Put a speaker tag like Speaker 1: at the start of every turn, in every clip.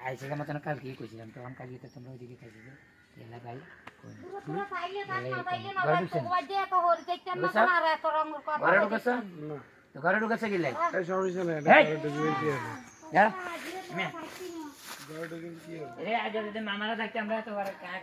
Speaker 1: আইসে মতন কালকে কইছিলাম তখন কালকে তো তোমরা ওইদিকে খাইছি যে এলা ভাই ঘরে ঢুকেছে কি লাই মামারা থাকতে আমরা তো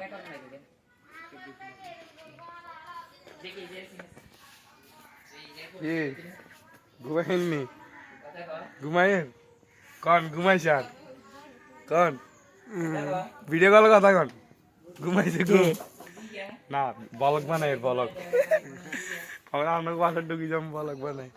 Speaker 2: ঘুমাইনি ঘুমাইন কন ঘুমাইছান কন ভিডিও কল কথা কন ঘুমাইছে ঘুম না বলক বানাই বলক আমরা অনেক বাসার ঢুকি যাম বলক বানাই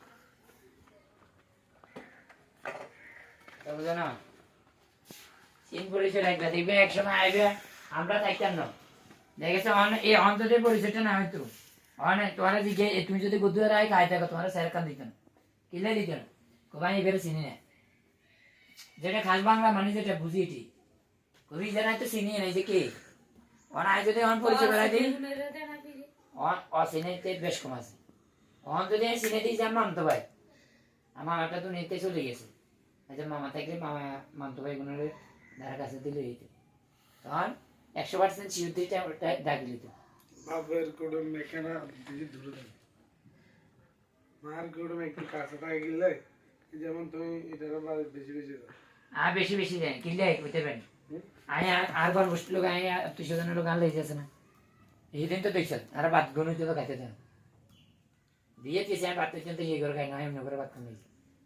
Speaker 1: জানো চিন পরিচয় লাগবে দেখবে একসময় আইবে আমরা থাকতাম না দেখেছো এই অন্তদের পরিচয়টা না হয়তো অনেক তোমার দিকে তুমি যদি বুদ্ধুয়ার আয় খাই থাকো তোমার স্যার কান দিত না কিলে দিত না কোবাই এবারে চিনি না যেটা খাস বাংলা মানে যেটা বুঝি এটি কবি জানাই তো চিনি নাই যে কে অনায় যদি অন পরিচয় বেড়াই দিই অচিনেতে বেশ কম আছে অন যদি চিনে দিই যাম মামতো ভাই আমার একটা তো নিতে চলে গেছে আচ্ছা মামা থাকলে মামা মামতো ভাই গুণের ধারা কাছে দিলে হইতো তখন 100% শিওর দিতে ডাকি দিত
Speaker 2: বাপের কোডম মেকানা দিদি দূরে দেন মার কোডম একটু কাছে থাকে গেলে যেমন তুমি এটার বারে বেশি বেশি দাও
Speaker 1: বেশি বেশি দেয় কিনলে কইতে পারেন আয় আর বার বসতে লোক আয় 200 জনের লোক আনলে যাচ্ছে না এই দিন তো দেখছেন আর বাদ গুণ তো খাইতে দেন দিয়ে দিয়েছে আমি বাদ পর্যন্ত ইয়ে করে খাই না এমনি করে বাদ কমে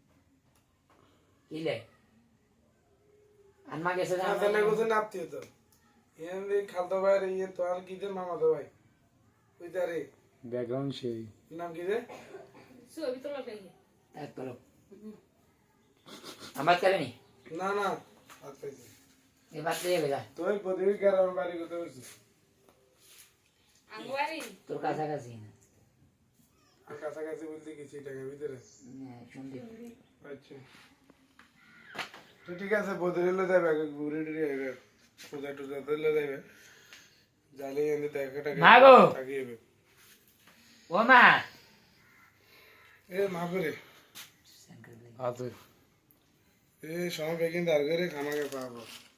Speaker 1: কিনলে আনমা গেছে না
Speaker 2: তাহলে কোথায় নাপতি তো এমনি খালতো ভাইয়ের ইয়ে তো আর কি দে মামা তো ভাই ওই তারে ব্যাকগ্রাউন্ড সেই নাম কি দে
Speaker 3: ছবি তো লাগাই
Speaker 1: এক তোলো আমার করেনি
Speaker 2: না না আচ্ছা
Speaker 1: এই বাদ দিয়ে গেলা
Speaker 2: তুই প্রতিদিন গ্রাম বাড়ি করতে পারছিস
Speaker 3: আঙ্গুয়ারি
Speaker 1: তোর কাছাকাছি না
Speaker 2: কাছাকাছি বলতে কিছু টাকার ভিতরে
Speaker 1: সন্দীপ
Speaker 2: আচ্ছা তো ঠিক আছে বদলে যাবে ঘুরে টুরে যাবে পূজা টুজা দিলে যাবে জালে এনে দেখা টাকা
Speaker 1: মাগো
Speaker 2: থাকিবে
Speaker 1: ও মা
Speaker 2: এ মা করে আছে এ সব বেগিন দাঁড় করে খামাকে পাবো